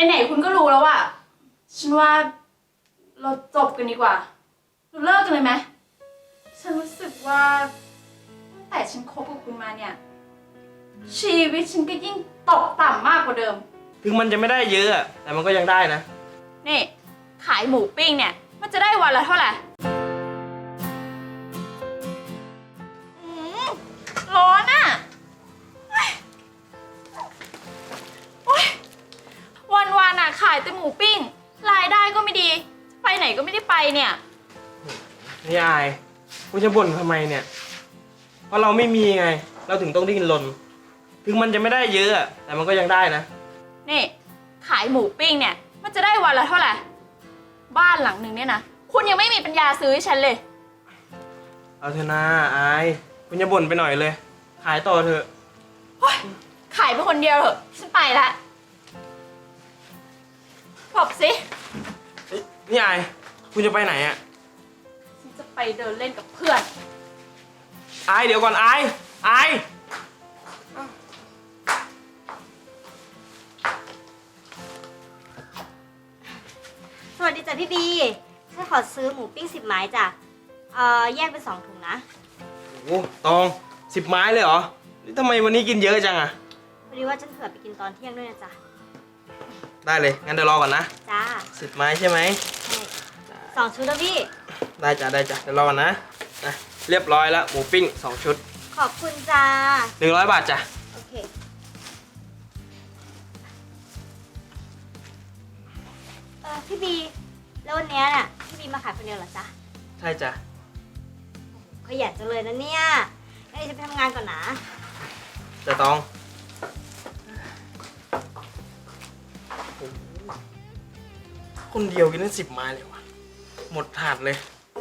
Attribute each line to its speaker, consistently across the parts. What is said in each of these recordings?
Speaker 1: ไหนๆคุณก็รู้แล้วว่าฉันว่าเราจบกันดีกว่าเราเลิกกันเลยไหมฉันรู้สึกว่าตั้งแต่ฉันคบกับคุณมาเนี่ยชีวิตฉันก็ยิ่งตกต่ำมากกว่าเดิม
Speaker 2: ถึงมันจะไม่ได้เยอะแต่มันก็ยังได้นะ
Speaker 1: นี่ขายหมูปิ้งเนี่ยมันจะได้วันละเท่าไหร่ร้อนอ่ะวันอ่ะขายแต่หมูปิ้งรายได้ก็ไม่ดีไปไหนก็ไม่ได้ไปเนี่ย
Speaker 2: นี่อายคุณจะบ่นทำไมเนี่ยเพราะเราไม่มีไงเราถึงต้องดิ้นรนถึงมันจะไม่ได้เยอะแต่มันก็ยังได้นะ
Speaker 1: นี่ขายหมูปิ้งเนี่ยมันจะได้วันละเท่าไหร่บ้านหลังหนึ่งเนี่ยนะคุณยังไม่มีปัญญาซื้อให้ฉันเลย
Speaker 2: เอาเถอะนะอายคุณจะบ่นไปหน่อยเลยขายต่อเถอะ
Speaker 1: ขายไปคนเดียวเถอะฉันไปละบอกสิ
Speaker 2: นี่อายคุณจะไปไหนอ่ะ
Speaker 1: ฉันจะไปเดินเล่นกับเพื่อน
Speaker 2: อายเดี๋ยวก่อนอาย
Speaker 3: สวัสดีจ้ะพี่บีฉันขอซื้อหมูปิ้ง10 ไม้จ้ะแยกเป็น2 ถุงนะ
Speaker 2: โอ้ตอง10 ไม้เลยเหรอนี่ทำไมวันนี้กินเยอะจังอ่ะ
Speaker 3: พอดีว่าฉันเผื่อไปกินตอนเที่ยงด้วยนะจ๊ะ
Speaker 2: ได้เลยงั้นเดี๋ยวรอก่อนนะ
Speaker 3: จ้า
Speaker 2: 10 ไม้ใช่ไหม
Speaker 3: ใช่2 ชุดแล้วพี่
Speaker 2: ได้จ้ะเดี๋ยวรอก่อนนะเรียบร้อยแล้วหมูปิ้ง2 ชุด
Speaker 3: ขอบคุณจ้า
Speaker 2: 100 บาทจ้ะ
Speaker 3: โอเคพี่บีแล้ววันนี้น่ะพี่บีมาขายคนเดียวเหรอจ๊ะ
Speaker 2: ใช่จ้ะ
Speaker 3: ขยันจังเลยนะเนี่ยงั้นฉันไปทำงานก่อนนะ
Speaker 2: จะต้องคนเดียวกินได้10 ไม้เลยวะหมดถาดเลย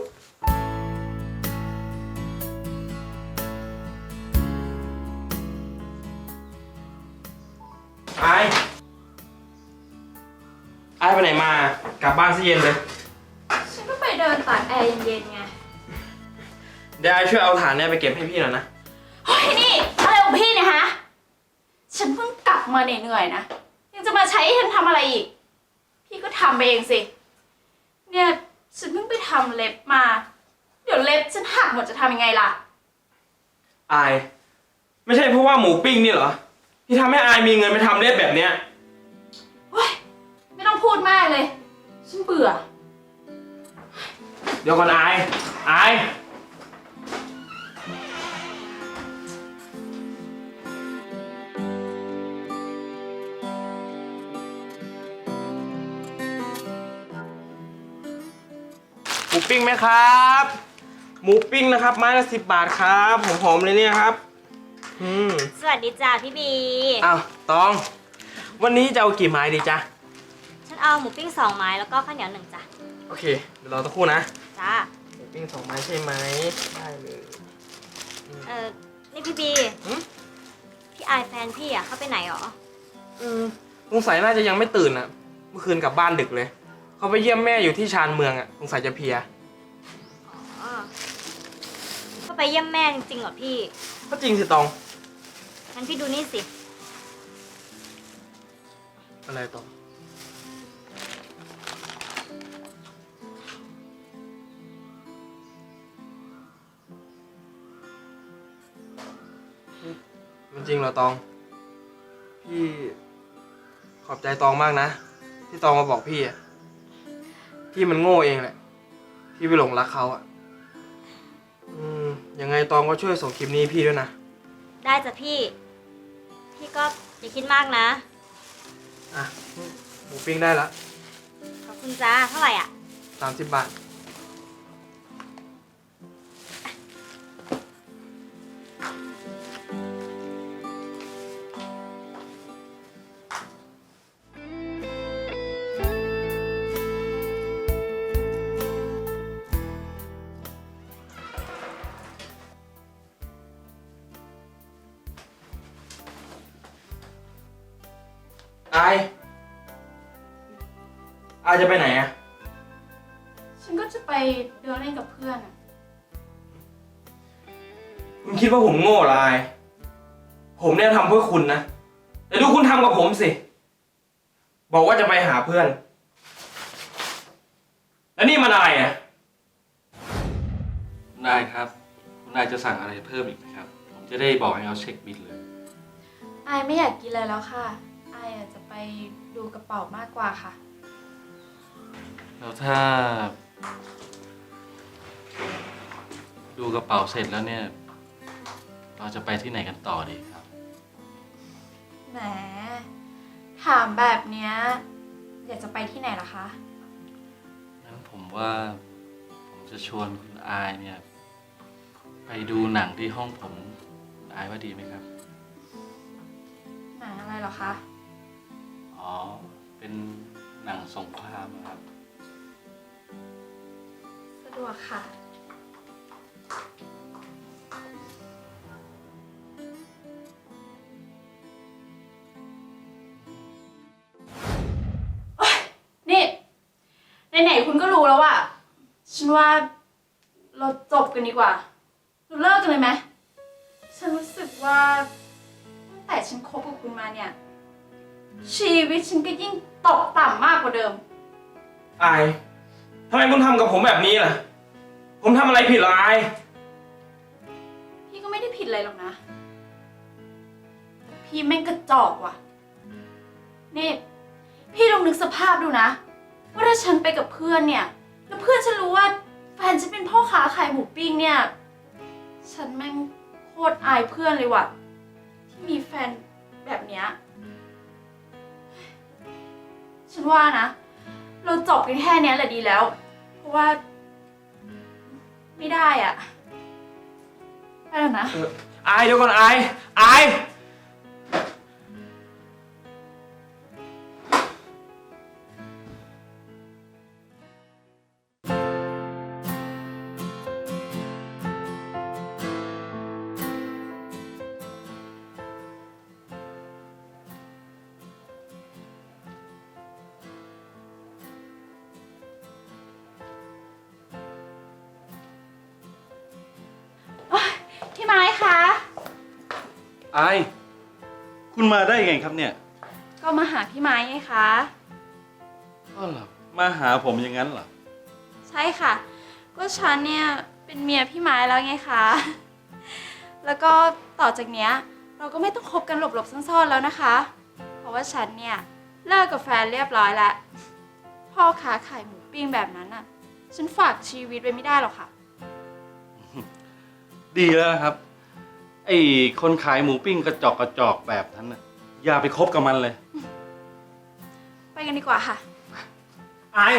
Speaker 2: ไอ้ไปไหนมากลับบ้านซะเย็นเลย
Speaker 1: ฉันก็ไปเดินตากแอร์เย็นๆไง
Speaker 2: เดี๋ยวไอ้ช่วยเอาถ่านเนี่ยไปเก็บให้พี่หน่อยนะ
Speaker 1: เฮ้ยนี่อะไรของพี่เนี่ยฮะฉันเพิ่งกลับมาเหนื่อยๆนะยังจะมาใช้ให้ฉันทำอะไรอีกพี่ก็ทำไปเองสิเนี่ยฉันเพิ่งไปทำเล็บมาเดี๋ยวเล็บฉันหักหมดจะทำยังไงล่ะ
Speaker 2: อายไม่ใช่เพราะว่าหมูปิ้งนี่เหรอที่ทำให้อายมีเงินไปทำเล็บแบบเนี้ย
Speaker 1: เฮ้ยไม่ต้องพูดมากเลยฉันเบื่อ
Speaker 2: เดี๋ยวก่อนอายหมูปิ้งไหมครับหมูปิ้งนะครับไม้ละ10 บาทครับหอมๆเลยเนี่ยครับ
Speaker 3: สวัสดีจ้าพี่บี
Speaker 2: อ้าวตองวันนี้จะเอากี่ไม้ดีจ๊ะ
Speaker 3: ฉันเอาหมูปิ้ง2 ไม้แล้วก็ข้าวเหนียว1จ้ะ
Speaker 2: โอเคเดี๋ยวรอสักครู่นะ
Speaker 3: จ้า
Speaker 2: หมูปิ้ง2 ไม้ใช่ไหมได้เลย
Speaker 3: นี่พี่บีพี่อายแฟนพี่อ่ะเขาไปไหนหรอ
Speaker 2: สงสัยน่าจะยังไม่ตื่นอ่ะเมื่อคืนกลับบ้านดึกเลยเขาไปเยี่ยมแม่อยู่ที่ชานเมืองอ่ะสงสัยจะเพลีย
Speaker 3: ก็ไปเยี่ยมแม่จริงๆเหรอพี่
Speaker 2: ก็จริงสิตอง
Speaker 3: งั้นพี่ดูนี่สิ
Speaker 2: อะไรตองมันจริงเหรอตองพี่ขอบใจตองมากนะที่ตองมาบอกพี่อ่ะพี่มันโง่เองแหละพี่ไปหลงรักเขาอ่ะยังไงตองก็ช่วยส่งคลิปนี้พี่ด้วยนะ
Speaker 3: ได้จ้ะพี่ก็อย่าคิดมากนะ
Speaker 2: หมูปิ้งได้ละ
Speaker 3: ขอบคุณจ้าเท่าไหร่อ่ะ
Speaker 2: 30 บาทอายจะไปไหนอ่ะ
Speaker 1: ฉันก็จะไปเดินเล่นกับเพื่อนอ่ะ
Speaker 2: คุณคิดว่าผมโง่เหรออายผมเนี่ยทำเพื่อคุณนะแต่ดูคุณทำกับผมสิบอกว่าจะไปหาเพื่อน แล้วนี่มันอะไรอ่ะ
Speaker 4: คุณนายครับคุณนายจะสั่งอะไรเพิ่มอีกไหมครับผมจะได้บอกให้เขาเช็คบิลเลย
Speaker 1: อายไม่อยากกินเลยแล้วค่ะ อายอาจจะไปดูกระเป๋ามากกว่าค่ะ
Speaker 4: แล้วถ้า ดูกระเป๋าเสร็จแล้วเนี่ย เราจะไปที่ไหนกันต่อดีครับ
Speaker 1: แหม ถามแบบเนี้ยอยากจะไปที่ไหนล่ะคะ
Speaker 4: งั้นผมว่าผมจะชวนคุณอายเนี่ย ไปดูหนังที่ห้องผมคุณอายว่าดีไหมครับ
Speaker 1: หนังอะไรเหรอคะ
Speaker 4: อ๋อ เป็นหนังสงครามอะครับ
Speaker 1: สะดวกค่ะ โอ๊ยนี่ไหนๆคุณก็รู้แล้วอะฉันว่าเราจบกันดีกว่า เราเลิกกันเลยไหม ฉันรู้สึกว่าตั้งแต่ฉันคบกับคุณมาเนี่ย ชีวิตฉันก็ยิ่งตกต่ำมากกว่าเดิม
Speaker 2: อายทำไมคุณทำกับผมแบบนี้ล่ะ ผมทำอะไรผิดเหรออาย
Speaker 1: พี่ก็ไม่ได้ผิดอะไรหรอกนะ พี่แม่งกระจอกว่ะ นี่ พี่ลองนึกสภาพดูนะ ว่าถ้าฉันไปกับเพื่อนเนี่ย แล้วเพื่อนฉันรู้ว่าแฟนฉันเป็นพ่อค้าขายหมูปิ้งเนี่ย ฉันแม่งโคตรอายเพื่อนเลยว่ะ ที่มีแฟนแบบเนี้ย ฉันว่านะ เราจบกันแค่เนี้ยแหละดีแล้ว เพราะว่าไม่ได้อ่ะ ไปแล้วนะ
Speaker 2: อายเดี๋ยวก่อนอาย
Speaker 1: พี่ไม้คะ
Speaker 4: อาย คุณมาได้ไงครับเนี่ย
Speaker 1: ก็มาหาพี่ไม้ไงคะ
Speaker 4: ก็เหรอมาหาผมอย่างนั้นเหรอ
Speaker 1: ใช่ค่ะ ก็ฉันเนี่ยเป็นเมียพี่ไม้แล้วไงคะ แล้วก็ต่อจากเนี้ยเราก็ไม่ต้องคบกันหลบๆซ่อนๆแล้วนะคะ เพราะว่าฉันเนี่ยเลิกกับแฟนเรียบร้อยแล้ว พ่อค้าขายหมูปิ้งแบบนั้นน่ะ ฉันฝากชีวิตไว้ไม่ได้หรอกค่ะ
Speaker 4: ดีแล้วนะครับ ไอ้คนขายหมูปิ้งกระจอกแบบนั้นน่ะอย่าไปคบกับมันเลย
Speaker 1: ไปกันดีกว่าค่ะ
Speaker 2: อาย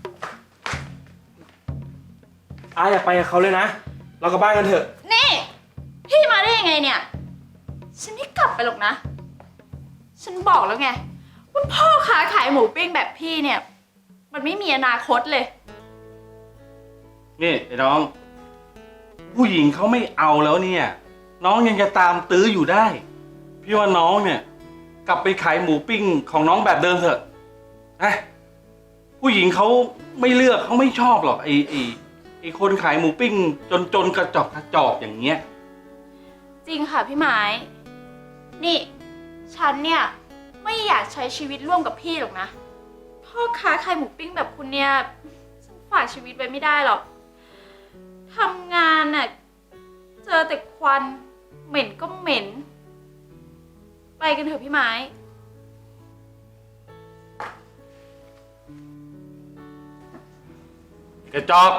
Speaker 2: อย่าไปกับเขาเลยนะ เรากลับบ้านกันเถอะ
Speaker 1: นี่ พี่มาได้ยังไงเนี่ย ฉันไม่กลับไปหรอกนะ ฉันบอกแล้วไงว่าพ่อค้าขายหมูปิ้งแบบพี่เนี่ย มันไม่มีอนาคตเลย
Speaker 4: นี่ไอ้น้อง ผู้หญิงเขาไม่เอาแล้วเนี่ย น้องยังจะตามตื้ออยู่ได้ พี่ว่าน้องเนี่ย กลับไปขายหมูปิ้งของน้องแบบเดิมเถอะนะผู้หญิงเขาไม่เลือกเขาไม่ชอบหรอกไอ้คนขายหมูปิ้งจนกระจอกอย่างเงี้ย
Speaker 1: จริงค่ะพี่ไม้ นี่ ฉันเนี่ยไม่อยากใช้ชีวิตร่วมกับพี่หรอกนะ พ่อค้าขายหมูปิ้งแบบคุณเนี่ย ฉันฝากชีวิตไว้ไม่ได้หรอก ทำงานน่ะเจอแต่ควัน เหม็นก็เหม็น ไปกันเถอะพี่ไม้
Speaker 4: กระจอก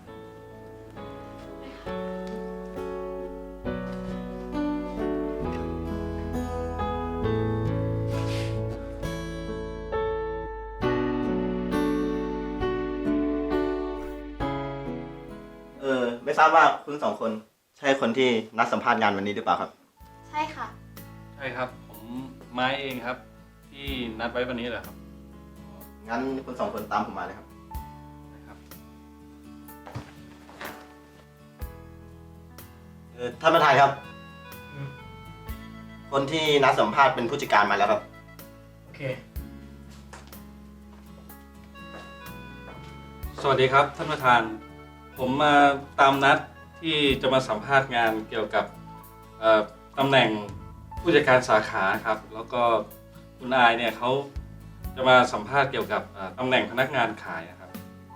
Speaker 5: ไม่ทราบว่าคุณสองคนใช่คนที่นัดสัมภาษณ์งานวันนี้หรือเปล่าครับ
Speaker 1: ใช่ค่ะ
Speaker 4: ใช่ครับ ผมไม้เองครับ ที่นัดไว้วันนี้แหละครับ
Speaker 5: งั้นคุณสองคนตามผมมาเลยครับ
Speaker 4: นะครับ
Speaker 5: ท่านประธานครับ
Speaker 2: อืม
Speaker 5: คนที่นัดสัมภาษณ์เป็นผู้จัดการมาแล้วครับ
Speaker 2: โอเค
Speaker 4: สวัสดีครับท่านประธาน ผมมาตามนัดที่จะมาสัมภาษณ์งานเกี่ยวกับตำแหน่งผู้จัดการสาขาครับ แล้วก็คุณอายเนี่ยเขาจะมาสัมภาษณ์เกี่ยวกับตำแหน่งพนักงานขายนะครับ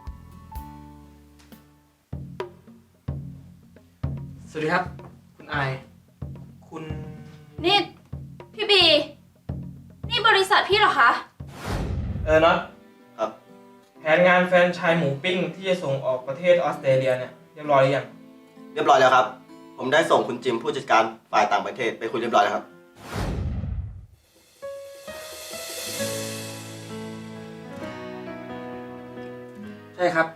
Speaker 2: สวัสดีครับ คุณอาย คุณ
Speaker 1: นี่พี่บี นี่บริษัทพี่เหรอคะ
Speaker 2: น็อต
Speaker 5: ครับ
Speaker 2: แผนงานแฟรนไชส์หมูปิ้งที่จะส่งออกประเทศออสเตรเลียเนี่ยเรียบร้อยหรือยัง
Speaker 5: เรียบร้อยแล้วครับ ผมได้ส่งคุณจิมผู้จัดการฝ่ายต่างประเทศไปคุยเรียบร้อยแล้วครับ
Speaker 2: ใช่ครับ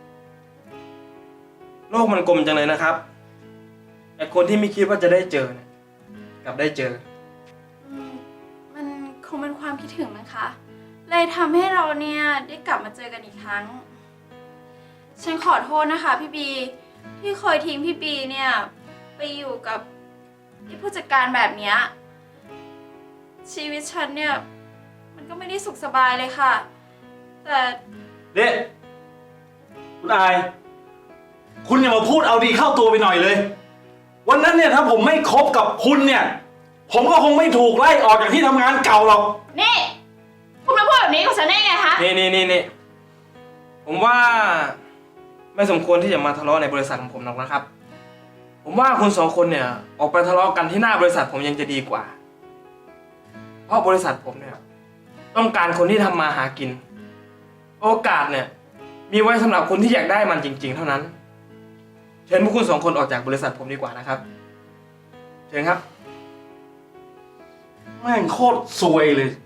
Speaker 2: โลกมันกลมจังเลยนะครับไอคนที่ไม่คิดว่าจะได้เจอเนี่ยกลับได้เจอ
Speaker 1: มันคงเป็นความคิดถึงนะคะ เลยทำให้เราเนี่ยได้กลับมาเจอกันอีกครั้ง ฉันขอโทษนะคะพี่บี ที่เคยทิ้งพี่บีเนี่ยไปอยู่กับไอ้ผู้จัดการแบบเนี้ยชีวิตฉันเนี่ยมันก็ไม่ได้สุขสบายเลยค่ะ แต่
Speaker 4: เนี่ยคุณอาย คุณอย่ามาพูดเอาดีเข้าตัวไปหน่อยเลย วันนั้นเนี่ยถ้าผมไม่คบกับคุณเนี่ย ผมก็คงไม่ถูกไล่ออกจากที่ทำงานเก่าหรอก
Speaker 1: นี่คุณมาพูดแบบนี้กับฉันได้ไงคะ
Speaker 2: นี่ผมว่าไม่สมควรที่จะมาทะเลาะในบริษัทของผมหรอกนะครับ ผมว่าคุณสองคนเนี่ยออกไปทะเลาะกันที่หน้าบริษัทผมยังจะดีกว่า เพราะบริษัทผมเนี่ยต้องการคนที่ทำมาหากิน โอกาสเนี่ยมีไว้สำหรับคนที่อยากได้มันจริงๆเท่านั้น เชิญพวกคุณสองคนออกจากบริษัทผมดีกว่านะครับ เชิญครับ
Speaker 4: แม่งโคตรซวยเลย